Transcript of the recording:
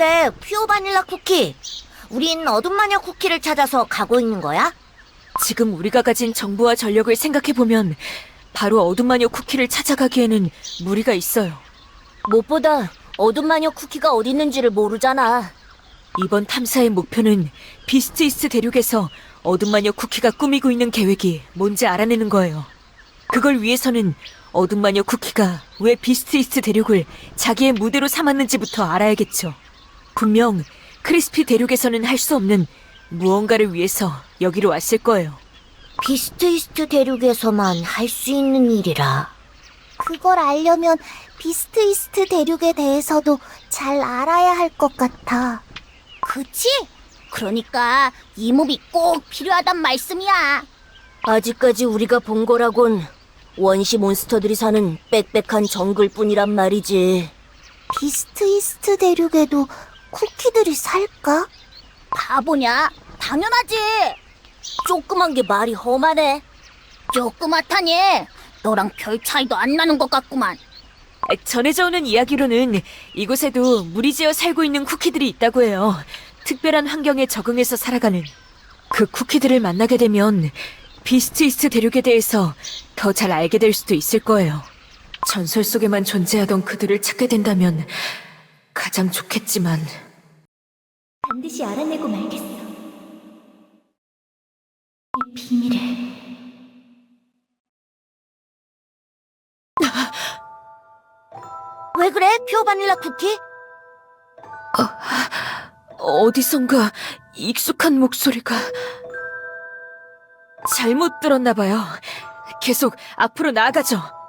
근데 퓨어 바닐라 쿠키, 우린 어둠 마녀 쿠키를 찾아서 가고 있는 거야? 지금 우리가 가진 정보와 전력을 생각해보면 바로 어둠 마녀 쿠키를 찾아가기에는 무리가 있어요. 무엇보다 어둠 마녀 쿠키가 어디 있는지를 모르잖아. 이번 탐사의 목표는 비스트 이스트 대륙에서 어둠 마녀 쿠키가 꾸미고 있는 계획이 뭔지 알아내는 거예요. 그걸 위해서는 어둠 마녀 쿠키가 왜 비스트 이스트 대륙을 자기의 무대로 삼았는지부터 알아야겠죠. 분명 크리스피 대륙에서는 할 수 없는 무언가를 위해서 여기로 왔을 거예요. 비스트 이스트 대륙에서만 할 수 있는 일이라. 그걸 알려면 비스트 이스트 대륙에 대해서도 잘 알아야 할 것 같아. 그치? 그러니까 이 몹이 꼭 필요하단 말씀이야. 아직까지 우리가 본 거라곤 원시 몬스터들이 사는 빽빽한 정글뿐이란 말이지. 비스트 이스트 대륙에도 쿠키들이 살까? 바보냐? 당연하지. 조그만 게 말이 험하네. 조그맣다니. 너랑 별 차이도 안 나는 것 같구만. 전해져 오는 이야기로는 이곳에도 무리지어 살고 있는 쿠키들이 있다고 해요. 특별한 환경에 적응해서 살아가는. 그 쿠키들을 만나게 되면 비스트 이스트 대륙에 대해서 더 잘 알게 될 수도 있을 거예요. 전설 속에만 존재하던 그들을 찾게 된다면 가장 좋겠지만. 반드시 알아내고 말겠어. 이 비밀을. 왜 그래, 퓨어 바닐라 쿠키? 어디선가 익숙한 목소리가. 잘못 들었나 봐요. 계속 앞으로 나아가죠.